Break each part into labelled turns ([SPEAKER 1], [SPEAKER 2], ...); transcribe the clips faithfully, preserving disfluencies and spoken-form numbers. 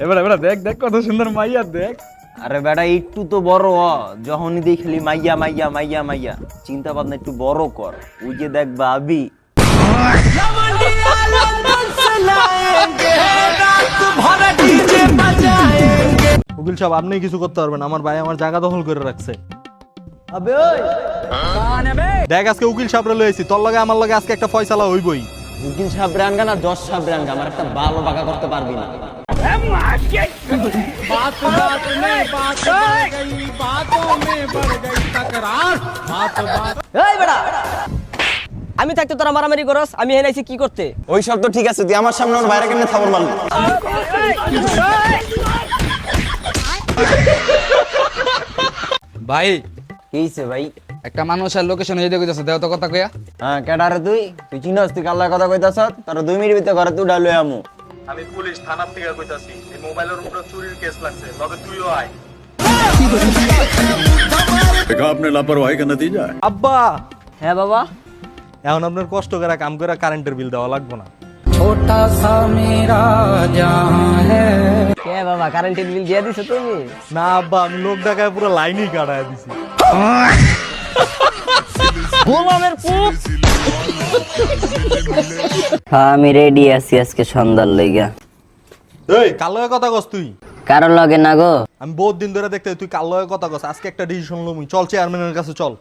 [SPEAKER 1] এবার এবার দেখ দেখ কত সুন্দর মাইয়া দেখ।
[SPEAKER 2] আরে বেটা একটু তো বড় হ, যখনই দেখলি মাইয়া মাইয়া মাইয়া মাইয়া চিন্তা ভাবনা একটু বড় কর। ওই যে দেখ ভাবি
[SPEAKER 3] উকিল সাহেব আপনি কিছু করতে পারবেন, আমার ভাই আমার জায়গা দখল করে রাখছে।
[SPEAKER 2] আবে ওই
[SPEAKER 3] দেখ আজকে উকিল সাহেবরে লইছি, তোর লগে আমার লগে আজকে একটা ফয়সালা হইবই।
[SPEAKER 2] উকিল সাহেব রানগা না দশ সাহেব রানগা, আমার একটা ভালো বাঁকা করতে পারবি না।
[SPEAKER 4] এই বেটা, আমি থাকতে তোরা মারামারি করস, আমি এনাইছি কি করতে?
[SPEAKER 2] ওই সব তো ঠিক আছে, তুই আমার সামনে ওর বাইরে কেমনে থাবর মারলি?
[SPEAKER 1] ভাই
[SPEAKER 2] কি হইছে ভাই?
[SPEAKER 1] একটা মানুষের লোকেশন এই দেখে যাচ্ছে, দেও তো কথা কইয়া।
[SPEAKER 2] হ্যাঁ কেডারে তুই? তুই চিনস তুই কাল্লার কথা কইতাছ? তোর দুই মিনিট ভিতরে ঘরে তুই ডালুই আমু।
[SPEAKER 3] আমি পুলিশ থানার থেকে কইতাছি, এই মোবাইলের উপরে চুরির কেস লাগছে, তবে তুইও আয়।
[SPEAKER 5] देखा आपने लापरवाही का नतीजा है।
[SPEAKER 3] আব্বা
[SPEAKER 4] হ্যাঁ বাবা।
[SPEAKER 3] এখন আপনার কষ্ট করে কাম করে কারেন্টের বিল দেওয়া লাগবে না।
[SPEAKER 4] কে বাবা, কারেন্টের বিল দিয়ে দিছো তুমি?
[SPEAKER 3] না আব্বা, আমি লোক ডাকায় পুরো লাইনই কাটায় দিছি।
[SPEAKER 4] গোলামের পুত।
[SPEAKER 6] হ্যাঁ আমি রেডি আছি আজকে সন্ধ্যার লইগা।
[SPEAKER 3] এই কার লগে কথা কস তুই?
[SPEAKER 6] কারোর লগে না গো।
[SPEAKER 3] আমি বহুত দিন ধরে দেখতে তুই কার লগে কথা কস, আজকে একটা ডিসিশন লমু। চল চেয়ারম্যানের কাছে চল।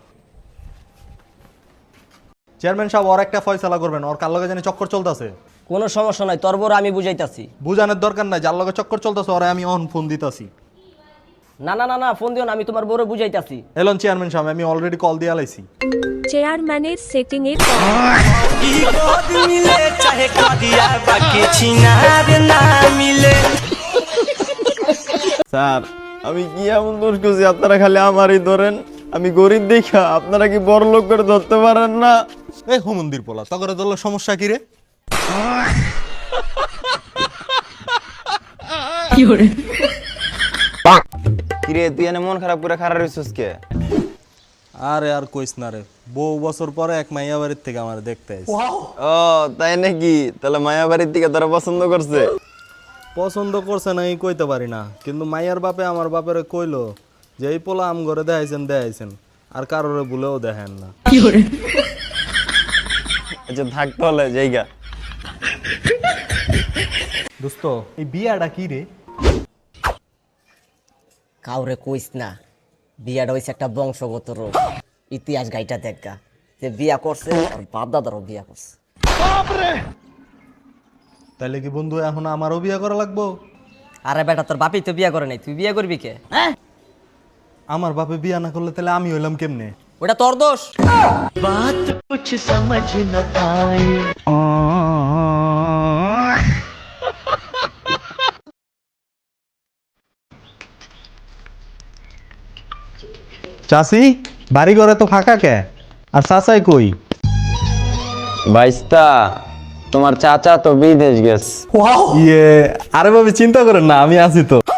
[SPEAKER 3] চেয়ারম্যান সাহেব ওর একটা ফয়সালা করবেন, ওর কার লগে জানি চক্কর চলতেছে।
[SPEAKER 4] কোনো সমস্যা নাই, তোর বড় আমি বুঝাইতাছি।
[SPEAKER 3] বুঝানোর দরকার নাই, যার লগে চক্কর চলতেছে ওরে আমি অন ফোন দিতাছি।
[SPEAKER 4] না না না না, ফোন দিও না, আমি তোমার বড় বুঝাইতাছি।
[SPEAKER 3] এলন চেয়ারম্যান সাহেব, আমি অলরেডি কল দিয়ে আলাইছি।
[SPEAKER 7] চেয়ারম্যানের সেটিং এর
[SPEAKER 2] স্যার আমি কি এমন দোষ করছি আপনারা খালি আমারই ধরেন? আমি গরিব দেখা আপনারা কি বড় লোক করে ধরতে পারেন না?
[SPEAKER 3] এই হুমন্দির পোলা, তগরে তোর সমস্যা কি রে?
[SPEAKER 2] কিরে তুই এনে মন খারাপ করে খারাপ হইছিস কে?
[SPEAKER 3] আরে আর কইস না রে, বহু বছর পরে এক মাইয়া বাড়ির থেকে আমার দেখতে আইছে।
[SPEAKER 2] ও তাই নাকি? তাহলে মায়া বাড়ির থেকে তারা পছন্দ করছে?
[SPEAKER 3] পছন্দ করছে না এই কইতে পারি না, কিন্তু মাইয়ার বাপে আমার বাপের কইলো যে এই পোলা আম ঘরে দেখাইছেন দেখাইছেন, আর কারোরে ভুলেও দেখেন না।
[SPEAKER 2] আচ্ছা থাকতে হলে জায়গা।
[SPEAKER 3] দোস্ত এই বিয়াটা কি রে?
[SPEAKER 4] কাউরে কইস না, বিয়াটা হইছে একটা বংশগত রোগ। ইতিহাস গাইটা দেখা, যে বিয়া করছে আর বাপ দাদারও বিয়া করছে।
[SPEAKER 3] তাইলে কি বন্ধু এখন আমারও বিয়া করা লাগবো?
[SPEAKER 4] আরে বেটা, তোর বাপই তো বিয়া করে নাই, তুই বিয়া করবি কে? হ্যাঁ,
[SPEAKER 3] আমার বাপে বিয়া না করলে তাহলে আমি হইলাম কেমনে?
[SPEAKER 4] ওটা তোর দোষ।
[SPEAKER 3] চাষি বাড়ি ঘরে তো ফাঁকা কে, আর চাচাই কই?
[SPEAKER 2] বাইস্তা তোমার চাচা তো বিদেশ গেছে।
[SPEAKER 3] ইয়ে আরে ভাবি চিন্তা করেন না, আমি আছি তো।